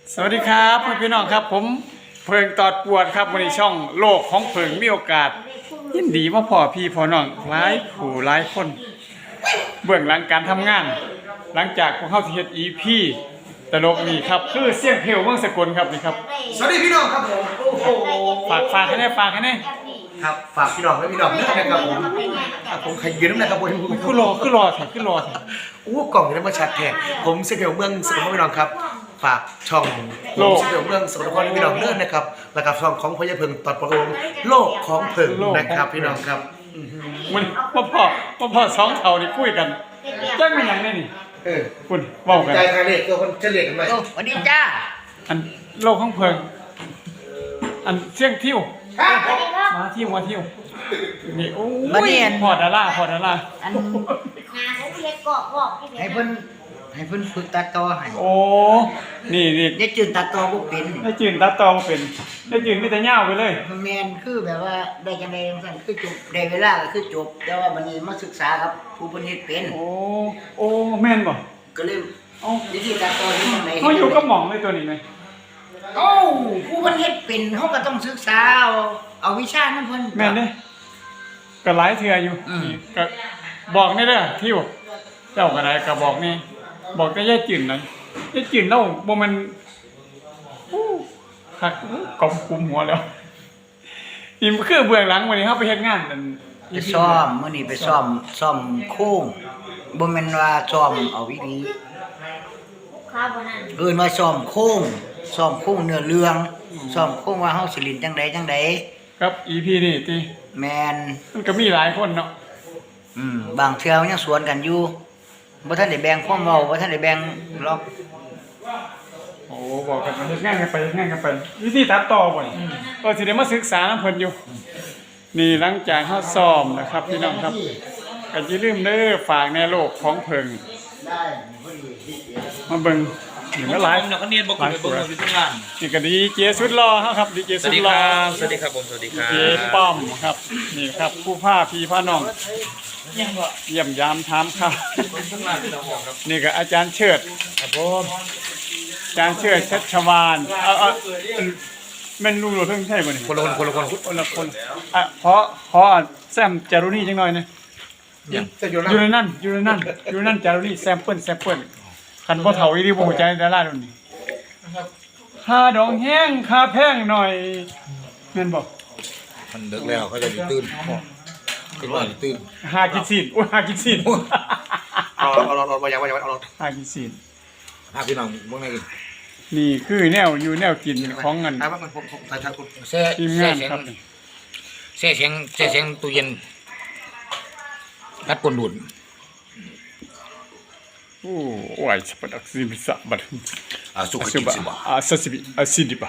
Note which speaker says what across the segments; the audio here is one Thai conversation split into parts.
Speaker 1: สวัสดีครับพี่น้องครับผมเพิงตอดปวดครับวันนี้ช่องโลกของเพิงมีโอกาสยินดีมาพ่อพี่พ่อน้องหลายผู้หลายคนเบื้องหลังการทำงาน หลังจากพวกเขาที่เฮ็ด EP ตลกนี่ครับคือเสียงเพลวเมืองสกลครับนี่ครับ
Speaker 2: สวัสดีพี่น้องครับผมโอ้โห
Speaker 1: ฝากให้แน่
Speaker 2: ครับฝากพี่น้องและพี่น้องด้วยนะครับผมใครยืนน้ำหนักครับผม
Speaker 1: คือรอแท้
Speaker 2: โอ้กล่องนี้มาชัดแท้ผมเสกลเมืองสกลนครพี่น้องครับฝากช่องผมเสกลเมืองสกลนครพี่น้องเลิศนะครับแล้วก็ช่องของพญาเพิงตอดประโลมโลกของเพิงนะครับพี่น้องครับ
Speaker 1: มันพ่อสองเท่านี่คุยกันจังเป็นหยังแน่นี่คุณเว้ากัน
Speaker 2: ใจใครเรียกตัวคนเฉลี่ยกันไหม
Speaker 3: สวัสดีจ้า
Speaker 1: อันโลกของเพิงอันเสียงทิวมาทิวนี่โอ้ยพอดารา
Speaker 3: อันให้เพิ่นฝึกตัดต่อให้
Speaker 1: โอ้นี่
Speaker 3: ได้จืนตัดต่อบ่เป็น
Speaker 1: ได้จืนตัดต่อมาเป็นได้จืนมีแต่ยาวไปเลย
Speaker 3: แม่นคือแบบว่าได้จังได๋จังซั่นคือจบได้เวลาก็คือจบ แต่ว่าบัดนี้มาศึกษาครับผู้เพิ่นเฮ็ดเป็น
Speaker 1: โอ้แม่นบ่
Speaker 3: ก็เลย
Speaker 1: เอ้า
Speaker 3: วิธีตัดต่อที่มันไหน
Speaker 1: เขาอยู่กับหม่องเลยตัวนี้ไหม
Speaker 3: เอ้าผู้เพิ่นเฮ็ดเป็นเฮาก็ต้องศึกษาเอาวิชานั้นเพิ่น
Speaker 1: แม่นเด้ก็หลายเทื่ออยู่นี่ก็บอกนี่เด้อทิวเจ้าก็ได้ก็บอกนี่บอกแต่ยายจืนหน่อยยายจืนเราบ่มันคักกำกุมหัวแล้วนี่คือเบื้องหลังวันนี้เฮาไปเฮ็ดงานนั่น
Speaker 3: ไปซ้อมมื้อนี้ไปซ้อมโค้งบ่แม่นว่าซ้อมเอาวิธีเอิ้นว่าซ้อมโค้งเนื้อเรื่องซ้อมโค้งว่าเฮาสิเล่นจังใด
Speaker 1: ครับ EP นี่ติ
Speaker 3: แม่น
Speaker 1: มันก็มีหลายคนเนาะ
Speaker 3: บางเทื่อมันยังสวนกันอยู่บ่ทันได้แบ่งความเว้าบ่ทันได้แบ่งล็อก
Speaker 1: โอ้บอกกันเฮ็ดงานกันไปวิธีตัดต่อบ่นี่ก็สิได้มาศึกษานำเพิ่นอยู่ นี่หลังจากเฮาซ้อมนะครับพี่น้องครับก็อย่าลืมเด้อฝากในโลกของเพิ่งมาเบิ่งนี่ก็หลาย
Speaker 4: นักเรียนบอกคุณไปบอกอยู่ทุกงาน
Speaker 1: นี่ก็ดีเจสุดหล่อเฮาครับดีเจ
Speaker 4: ส
Speaker 1: สุ
Speaker 4: วัส
Speaker 1: ด
Speaker 4: ดี
Speaker 1: ห
Speaker 4: ค
Speaker 1: ล่อ
Speaker 4: รับสวัสดีครับผมสวัสดีครับ
Speaker 1: เจป้อมครับนี่ครับผู้พาพี่พาน้องเยี่ยมยามถามข่าว
Speaker 4: ทุกงานที่เราบอกครับ
Speaker 1: นี่ก็อาจารย์เชิด
Speaker 4: ครับผม
Speaker 1: อาจารย์เชิดชัชวานแม่นลุงโลเพิ่งใช่บ่นี่
Speaker 2: คนละคน
Speaker 1: คนละคนขอแซมจารุนี่จังหน่อยนะ
Speaker 2: จะอยู่
Speaker 1: อยู่ในนั่นจารุนี่แซมเปิ้ลคันบ่เฒ่าอีหลีบ่ฮู้จักดาราโดนนี่ค่าดองแห้งค่าแพงหน่อยแม่นบ่
Speaker 5: มันเลิกแล้วเขาจะอยู่ตื่นเป็นว่าอยู่ตื่น
Speaker 1: หากินซีนหากินซีน
Speaker 2: เอามาอย่างเอา
Speaker 1: หากินซีน
Speaker 5: พาพี่น้องเมื่อไง
Speaker 1: นี่คือแนวอยู่แนวกินของเงิน
Speaker 2: ถามว่ามันผมถ่ายทางคุณ
Speaker 5: แช่
Speaker 1: ทีม
Speaker 5: แช่
Speaker 1: งาน
Speaker 5: เสียง
Speaker 1: ครับ
Speaker 5: แช่เสียงตู้เย็นรัดกลดูด
Speaker 1: โอ้ยสปดักซิบิสะบัด
Speaker 5: สุข
Speaker 1: อา
Speaker 5: จิ
Speaker 1: ซิ
Speaker 5: ต
Speaker 1: บะ
Speaker 5: สิบะ
Speaker 1: อาซาซิบิอาซิดิบะ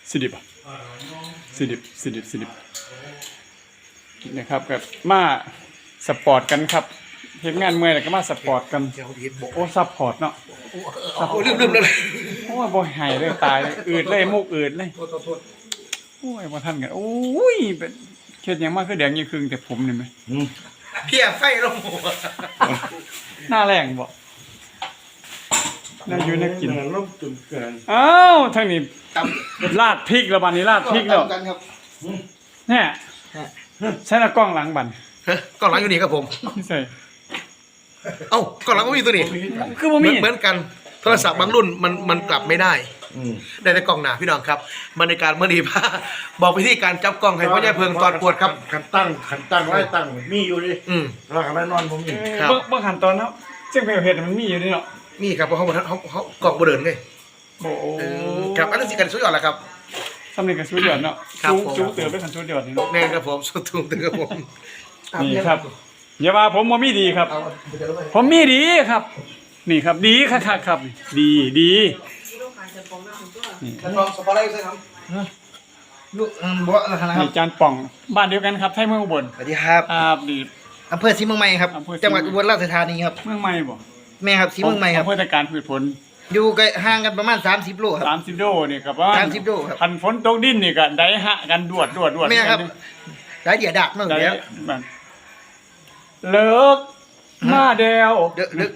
Speaker 1: ซิดิบนะครับกับมาสปอร์ตกันครับเฮ็ดงานเมื่อยแล้วก็มาสปอร์ตกันโอ้ซัพพอร์ตเนาะ
Speaker 2: โอ้ลืมเลย
Speaker 1: โอ้ยบ่ให้เลยตายเลยอืดเลยมุกอืดเลยโอ้ยบ่ทันกันโอ้ยเป็นเฮ็ดหยังมาคือแดงยี่ครึ่งแต่ผมนี่แมั้ย
Speaker 2: เพี้ยไฟลงหัว
Speaker 1: หน้าแรงบ่น่าอยู่น่ากิน
Speaker 2: ล้มจนเกิน
Speaker 1: อ้าวทางนี้ราดพริกแล้วบัดนี้ราดพริกแล้ว
Speaker 2: กันครับ
Speaker 1: แน่ใช้ละกล้องหลังบัด
Speaker 2: กล้องหลังอยู่นี่ครับผม
Speaker 1: นี่ใส่
Speaker 2: เอ้ากล้องหลังก็มีตัวนี้
Speaker 1: คือบ่มี
Speaker 2: เหมือนกันโทรศัพท์บางรุ่นมันกลับไม่ได้ได้แต่กล้องหน้าพี่น้องครับบรรยากาศเมื่อดีพาบอกวิธีการจับกล้องให้พ่อใหญ่เพิงตอนปวดครับ
Speaker 6: ขันตั้งไว้ตั้งมีอยู่ดิ แล้วขันไว้นอนผมมี
Speaker 2: ครับ
Speaker 1: เบิ่งขั้นตอนเนาะเสียงเพลงเฮ็ดมันมีอยู่นี่เนาะ
Speaker 2: นี่ครับเพราะเขากล่องบ่เดินไง
Speaker 1: โอ้โห
Speaker 2: ครับอันนั้นสิกันสุดยอดแหละครับ
Speaker 1: สำเร็จกับสุดยอดเนาะ
Speaker 2: ครับผม
Speaker 1: สูงเติบไปขั้นสุดยอดนี่เนาะ
Speaker 2: แน่ครับผมสุดทุ่มถึงครับผม
Speaker 1: นี่ครับอย่าว่าผมบ่มีดีครับ
Speaker 2: เอาเดี๋ยวไป
Speaker 1: ผมมีดีครับ นี่ครับดีคักๆครับ ดี
Speaker 2: ท่านรองสปอร์ตไลท์ใช่ครับ
Speaker 6: ลูกบ่อะไรนะครั
Speaker 1: นี่
Speaker 6: บ
Speaker 1: จานป่องบ้านเดียวกันครับไทยเมืองอุบล
Speaker 6: สวัสดีครับ
Speaker 1: ครับดี
Speaker 6: อำเภอศรีเมืองใหม่ครับ
Speaker 1: อำเภอศรี
Speaker 6: จังหวัดอุบลราชธานีครับ
Speaker 1: เมืองใหม่บ่
Speaker 6: แม่ครับศรีเมืองใหม่ครับ
Speaker 1: อำเภอตะการพืชผล
Speaker 6: อยู่ใกล้ห่างกันประมาณ30โลครับ
Speaker 1: 30โลนี่ครับว่า
Speaker 6: 30โลครับ
Speaker 1: คันฝนตกดินนี่ก็ได้หะกันดวด
Speaker 6: แม่ครับหลายเดียดักมาก
Speaker 1: ได้
Speaker 6: แล้ว
Speaker 1: มันเลิกมาแดว
Speaker 6: ดึก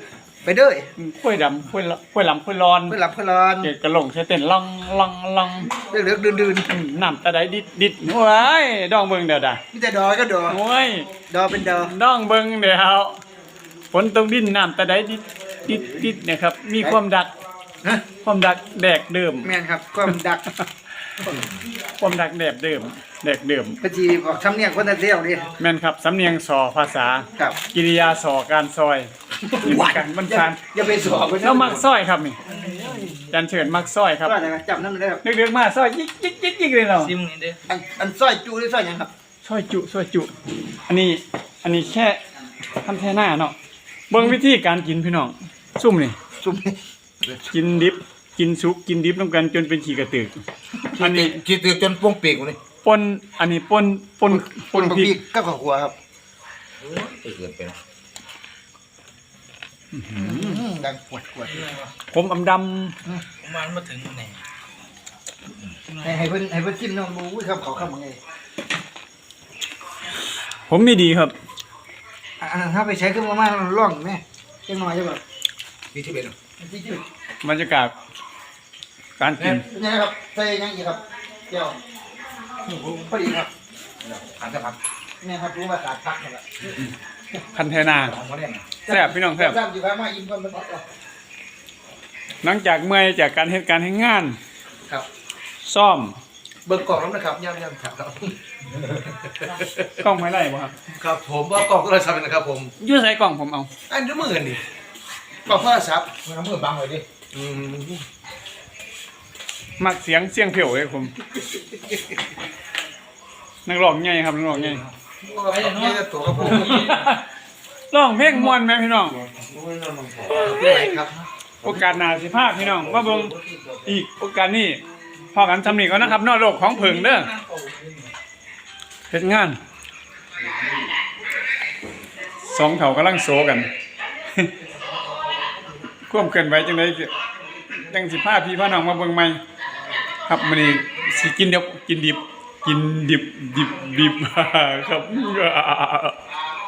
Speaker 3: ไปเด้อ
Speaker 1: ข้วยดำข้วยข้วยลำข้วยร้อน
Speaker 3: เพื่อหลับเพื่อร้อน
Speaker 1: เกดกระหลงใช้เต้นลองลองลอง
Speaker 3: เลือกๆดื่น
Speaker 1: น้ำตาใดดิดโอ้ยดองเบิ่งเดี๋ยวด่า
Speaker 3: ๆมีแต่ดอก็ดอ
Speaker 1: โอ้ย
Speaker 3: ดอเป็นดอ
Speaker 1: ดองเบิ่งเดี๋ยวฝนตกดินน้ำตาใดดิดเนี่ยครับ มีความดัก
Speaker 3: ฮะ
Speaker 1: ความดักแดกเดิม
Speaker 3: แม่นครับความดัก
Speaker 1: ความดักแดกเดิมแดกเดิม
Speaker 3: ปฏิบอกสำเนียงคนตะเที่ยวนี่
Speaker 1: แม่นครับสำเนียงสอภาษา
Speaker 3: ครับ
Speaker 1: กิริยาสอการซอยนี่มันกันมันการ
Speaker 3: อย่าไปสอบกัน
Speaker 1: แล้วมักซอยครับนี่จันเฉินมักซอยครับ
Speaker 3: ก็ได้จับนั่นเลยครับ
Speaker 1: เด็กๆมาซอยยิกเลยเรา
Speaker 4: ซิมนี่เด้อ
Speaker 3: อันสร้อยจูหรือสร้อยหยังครับ
Speaker 1: ซอยจุอันนี้แค่ทำแค่หน้าเนาะเบิ่งวิธีการกินพี่น้องซุ่มนี่
Speaker 3: ซุ่มนี่
Speaker 1: กินดิบกินสุกกินดิบนำกันจนเป็นขี้กระตือกอันนี้
Speaker 5: คิดถึงจนป้วงปีกนี่
Speaker 1: ปนอันนี้ปนพริก
Speaker 3: กับข้าวคั่วครับ
Speaker 5: ไปเกินไปนะ
Speaker 3: ดังปวด
Speaker 1: ผมอำด
Speaker 4: ประมาณมาถึงไหน
Speaker 3: ให้เพิ่นชิมน้องดูอุ้ยครับเขาคำว่าไง
Speaker 1: ำผมมีดีครับ
Speaker 3: อันนั้นถ้าไปใช้เครื่องมาล่องแม่จังหน่อยจะแบบ
Speaker 5: มีที่เป็น
Speaker 3: ที่จืด
Speaker 1: บรรยากาศการกิน
Speaker 3: นี่ครับใส่ยังอีกครับเจียวพอดีครับ
Speaker 5: ผ่านจะพัก
Speaker 3: นี่ครับรู้ว่าขาดพักหมดละ
Speaker 1: พันเทนา
Speaker 5: ของเขาเนี่ยนะ
Speaker 1: แซ่บพี่น้องแซ่บ
Speaker 3: ซ้ำอยู่ครับมาอิ่มก่อนมันออก
Speaker 1: หลังจากเมื่อยจากการเหตุการณ์ให้งาน
Speaker 2: ครับ
Speaker 1: ซ่อม
Speaker 2: เบิกกล่องแล้วนะครับย่ำๆครับ
Speaker 1: กล้องไม่ไล่บ่ครับ
Speaker 2: ครับผมว่ากล่องโทรศัพท์นะครับผม
Speaker 1: ยื่ใส่กล่องผมเอา
Speaker 2: อันนี้มือนี่กล่องโทรศัพท์
Speaker 5: มันเอามือบังเลยดิ
Speaker 2: อืม
Speaker 1: มักเสียงเพียวเลยผมนักร้องไงครับนักร้องไง
Speaker 2: ไปอย่างนี้ตัวครับผม
Speaker 1: ร้องเพลงม่วนไหมพี่น้อง
Speaker 2: ที่ไหนครับ
Speaker 1: โอกาสหน้าสิพาพี่น้องมาเบิ่งอีกโอกาสนี้พอกันทำนี่ก่อนนะครับนอกโลกของเผิงเด้อเฮ็ดงานสองเถ่ากำลังโซกัน ควบเกินไว้จังได๋จังสิพาพี่พาน้องมาเบิ่งใหม่ครับมื้อนี้สิกินดิบ ครับ